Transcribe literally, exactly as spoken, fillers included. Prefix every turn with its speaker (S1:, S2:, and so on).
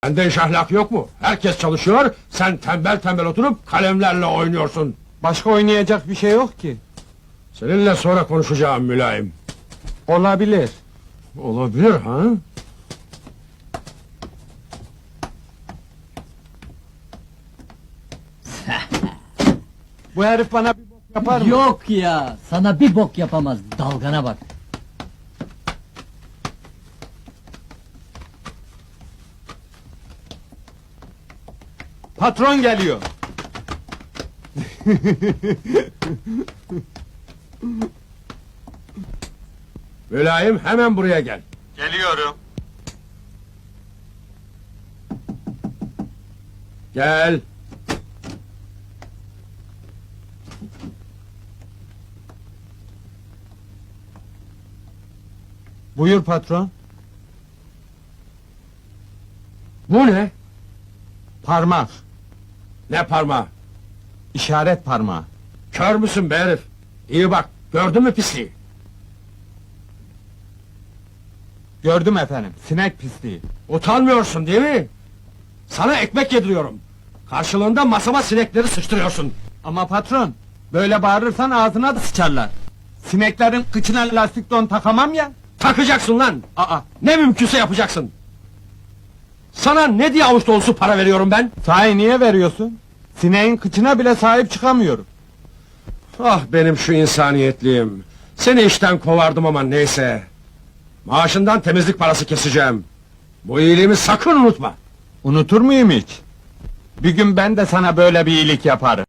S1: Sende iş ahlak yok mu? Herkes çalışıyor, sen tembel tembel oturup kalemlerle oynuyorsun.
S2: Başka oynayacak bir şey yok ki.
S1: Seninle sonra konuşacağım mülayim.
S2: Olabilir.
S1: Olabilir ha?
S2: Bu herif bana bir bok yapar mı?
S3: Yok ya, sana bir bok yapamaz, dalgana bak.
S2: Patron geliyor.
S1: Mülayim hemen buraya gel.
S2: Geliyorum.
S1: Gel.
S2: Buyur patron.
S1: Bu ne?
S2: Parmak.
S1: Ne parmağı?
S2: İşaret parmağı.
S1: Kör müsün be herif? İyi bak, gördün mü pisliği?
S2: Gördüm efendim. Sinek pisliği.
S1: Utanmıyorsun değil mi? Sana ekmek yediriyorum. Karşılığında masama sinekleri sıçtırıyorsun.
S2: Ama patron, böyle bağırırsan ağzına da sıçarlar. Sineklerin kıçına lastik don takamam ya.
S1: Takacaksın lan!
S2: Aa,
S1: Ne mümkünse yapacaksın! Sana ne diye avuç dolusu para veriyorum ben?
S2: sahi niye veriyorsun? Sineğin kıçına bile sahip çıkamıyorum.
S1: Ah benim şu insaniyetliğim! Seni işten kovardım ama neyse! Maaşından temizlik parası keseceğim! Bu iyiliğimi sakın unutma!
S2: Unutur muyum hiç? Bir gün ben de sana böyle bir iyilik yaparım.